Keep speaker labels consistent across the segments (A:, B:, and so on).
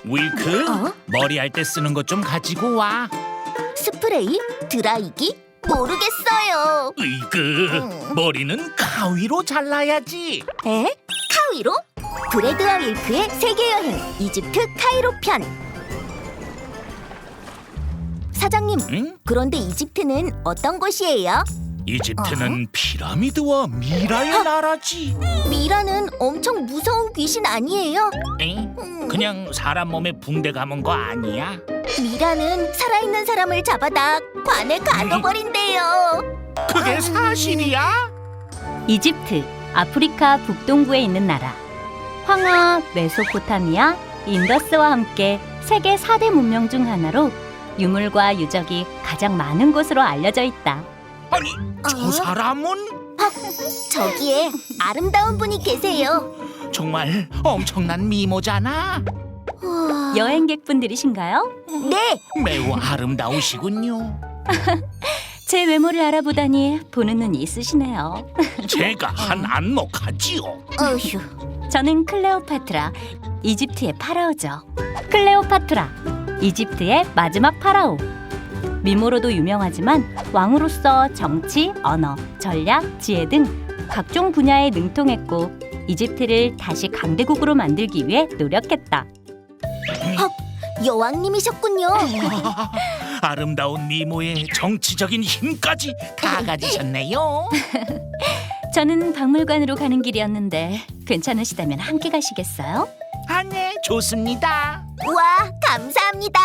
A: 윌크, 머리할 때 쓰는 것 좀 가지고 와.
B: 스프레이? 드라이기? 모르겠어요.
A: 으이그, 머리는 가위로 잘라야지.
B: 에? 카이로? 브레드와 윌크의 세계여행 이집트 카이로 편. 사장님,
A: 응?
B: 그런데 이집트는 어떤 곳이에요?
A: 이집트는 피라미드와 미라의 나라지.
B: 미라는 엄청 무서운 귀신 아니에요?
A: 에? 그냥 사람 몸에 붕대 감은 거 아니야?
B: 미라는 살아있는 사람을 잡아다 관에 가둬버린대요.
A: 그게 사실이야?
C: 이집트, 아프리카 북동부에 있는 나라. 황하, 메소포타미아, 인더스와 함께 세계 4대 문명 중 하나로 유물과 유적이 가장 많은 곳으로 알려져 있다.
A: 아니, 저 사람은
B: 저기에 아름다운 분이 계세요.
A: 정말 엄청난 미모잖아.
B: 우와.
C: 여행객분들이신가요?
B: 네,
A: 매우 아름다우시군요.
C: 제 외모를 알아보다니 보는 눈이 있으시네요.
A: 제가 한 안목하지요.
B: 어휴.
C: 저는 클레오파트라, 이집트의 파라오죠. 클레오파트라, 이집트의 마지막 파라오. 미모로도 유명하지만 왕으로서 정치, 언어, 전략, 지혜 등 각종 분야에 능통했고 이집트를 다시 강대국으로 만들기 위해 노력했다.
B: 여왕님이셨군요.
A: 아름다운 미모에 정치적인 힘까지 다 가지셨네요.
C: 저는 박물관으로 가는 길이었는데 괜찮으시다면 함께 가시겠어요?
A: 아, 네, 좋습니다.
B: 우와, 감사합니다.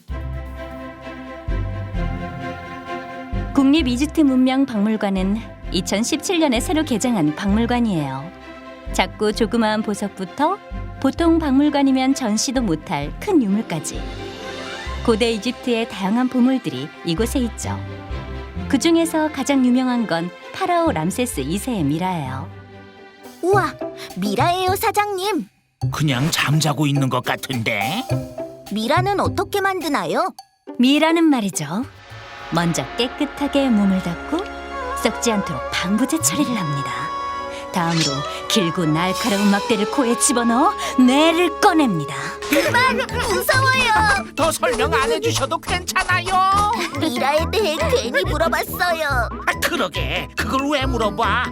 C: 국립 이집트 문명 박물관은 2017년에 새로 개장한 박물관이에요. 작고 조그마한 보석부터 보통 박물관이면 전시도 못할 큰 유물까지 고대 이집트의 다양한 보물들이 이곳에 있죠. 그 중에서 가장 유명한 건 파라오 람세스 2세의 미라예요.
B: 우와, 미라예요, 사장님.
A: 그냥 잠자고 있는 것 같은데.
B: 미라는 어떻게 만드나요?
C: 미라는 말이죠. 먼저 깨끗하게 몸을 닦고 썩지 않도록 방부제 처리를 합니다. 다음으로 길고 날카로운 막대를 코에 집어넣어 뇌를 꺼냅니다.
B: 무서워요.
A: 더 설명 안 해주셔도 괜찮아요.
B: 미라에 대해 괜히 물어봤어요.
A: 아, 그러게, 그걸 왜 물어봐?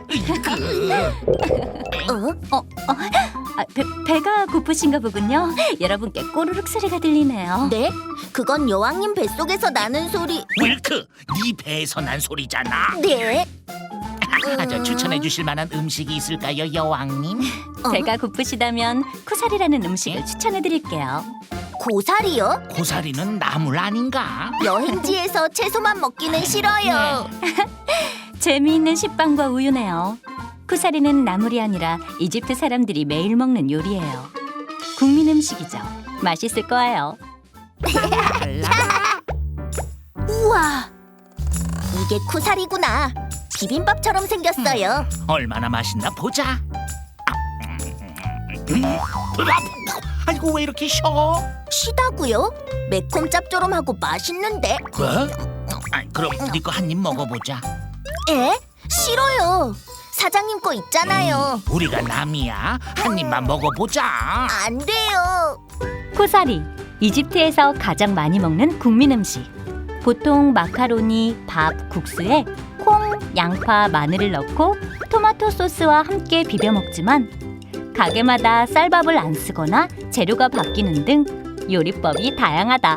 C: 배가 고프신가 보군요. 여러분께 꼬르륵 소리가 들리네요.
B: 네? 그건 여왕님 뱃속에서 나는 소리.
A: 윌크, 네 배에서 난 소리잖아.
B: 네?
A: 저 추천해 주실 만한 음식이 있을까요, 여왕님?
C: 배가 고프시다면 쿠사리라는 음식을 추천해드릴게요.
B: 고사리요?
A: 고사리는 나물 아닌가?
B: 여행지에서 채소만 먹기는 싫어요.
C: 재미있는 식빵과 우유네요. 쿠사리는 나물이 아니라 이집트 사람들이 매일 먹는 요리예요. 국민 음식이죠. 맛있을 거예요.
B: 우와, 이게 쿠사리구나. 비빔밥처럼 생겼어요.
A: 얼마나 맛있나 보자. 아이고, 왜 이렇게 쉬어?
B: 시다고요? 매콤 짭조름하고 맛있는데.
A: 뭐? 그럼 네 거 한 입 먹어보자.
B: 에? 싫어요. 사장님 거 있잖아요.
A: 우리가 남이야. 한 입만 먹어보자.
B: 안 돼요.
C: 쿠사리, 이집트에서 가장 많이 먹는 국민 음식. 보통 마카로니, 밥, 국수에 콩, 양파, 마늘을 넣고 토마토 소스와 함께 비벼 먹지만 가게마다 쌀밥을 안 쓰거나 재료가 바뀌는 등 요리법이 다양하다.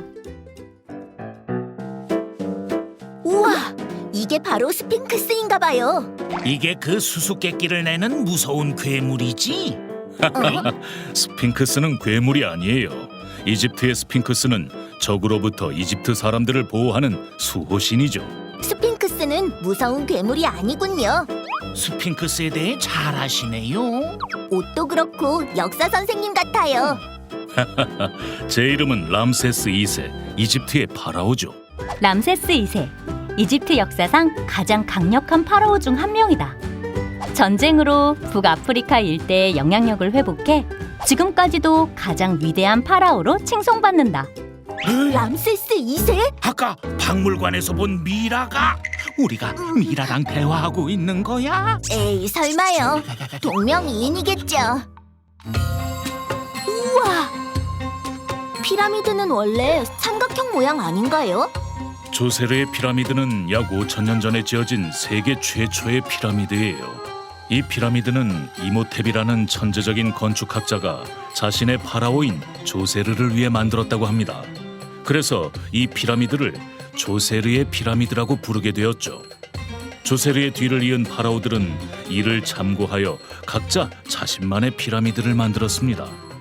B: 우와, 이게 바로 스핑크스인가 봐요.
A: 이게 그 수수께끼를 내는 무서운 괴물이지?
D: 스핑크스는 괴물이 아니에요. 이집트의 스핑크스는 적으로부터 이집트 사람들을 보호하는 수호신이죠.
B: 스핑크스는 무서운 괴물이 아니군요.
A: 스핑크스에 대해 잘 아시네요.
B: 옷도 그렇고 역사 선생님 같아요.
D: 제 이름은 람세스 2세, 이집트의 파라오죠.
C: 람세스 2세, 이집트 역사상 가장 강력한 파라오 중 한 명이다. 전쟁으로 북아프리카 일대의 영향력을 회복해 지금까지도 가장 위대한 파라오로 칭송받는다.
B: 람세스 2세?
A: 아까 박물관에서 본 미라가 우리가 미라랑 대화하고 있는 거야?
B: 에이, 설마요. 동명이인이겠죠. 우와, 피라미드는 원래 삼각형 모양 아닌가요?
D: 조세르의 피라미드는 약 5,000년 전에 지어진 세계 최초의 피라미드예요. 이 피라미드는 이모텝이라는 천재적인 건축학자가 자신의 파라오인 조세르를 위해 만들었다고 합니다. 그래서 이 피라미드를 조세르의 피라미드라고 부르게 되었죠. 조세르의 뒤를 이은 파라오들은 이를 참고하여 각자 자신만의 피라미드를 만들었습니다.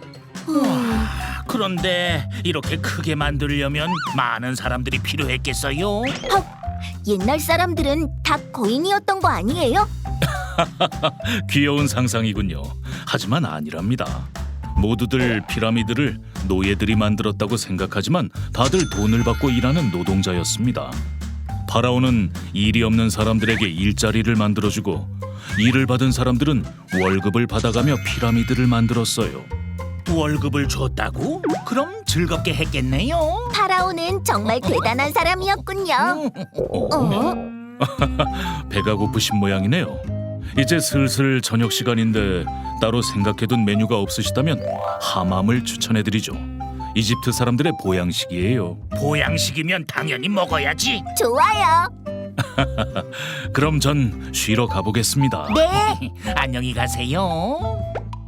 A: 그런데 이렇게 크게 만들려면 많은 사람들이 필요했겠어요?
B: 옛날 사람들은 다 거인이었던 거 아니에요?
D: 귀여운 상상이군요. 하지만 아니랍니다. 모두들 피라미드를 노예들이 만들었다고 생각하지만 다들 돈을 받고 일하는 노동자였습니다. 파라오는 일이 없는 사람들에게 일자리를 만들어주고 일을 받은 사람들은 월급을 받아가며 피라미드를 만들었어요.
A: 월급을 줬다고? 그럼 즐겁게 했겠네요.
B: 파라오는 정말 대단한 사람이었군요.
D: 배가 고프신 모양이네요. 이제 슬슬 저녁 시간인데 따로 생각해둔 메뉴가 없으시다면 하맘을 추천해드리죠. 이집트 사람들의 보양식이에요.
A: 보양식이면 당연히 먹어야지.
B: 좋아요.
D: 그럼 전 쉬러 가보겠습니다.
B: 네.
A: 안녕히 가세요.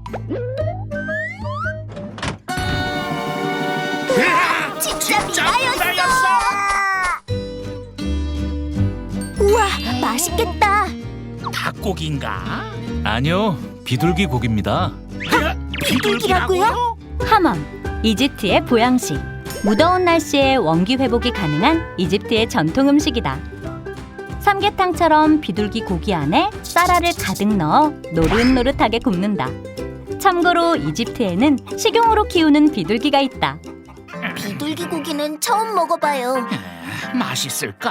B: 진짜 미라였어.
A: 미라였어.
B: 우와, 맛있겠다.
A: 닭고기인가?
D: 아니요, 비둘기 고기입니다.
B: 비둘기라고요?
C: 하맘, 이집트의 보양식. 무더운 날씨에 원기 회복이 가능한 이집트의 전통 음식이다. 삼계탕처럼 비둘기 고기 안에 쌀알을 가득 넣어 노릇노릇하게 굽는다. 참고로 이집트에는 식용으로 키우는 비둘기가 있다.
B: 비둘기 고기는 처음 먹어봐요.
A: 맛있을까?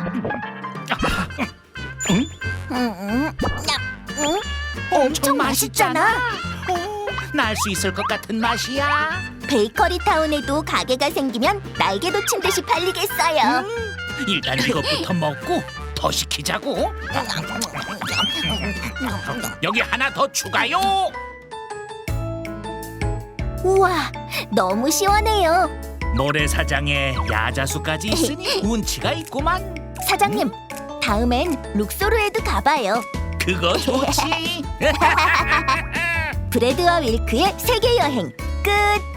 B: 엄청 맛있잖아.
A: 날 수 있을 것 같은 맛이야.
B: 베이커리 타운에도 가게가 생기면 날개 돋친 듯이 팔리겠어요.
A: 일단 이것부터 먹고 더 시키자고. 여기 하나 더 추가요.
B: 우와, 너무 시원해요.
A: 모래사장에 야자수까지 있으니 운치가 있구만.
B: 사장님, 다음엔 룩소르에도 가봐요.
A: 그거 좋지.
B: 브레드와 윌크의 세계 여행 끝.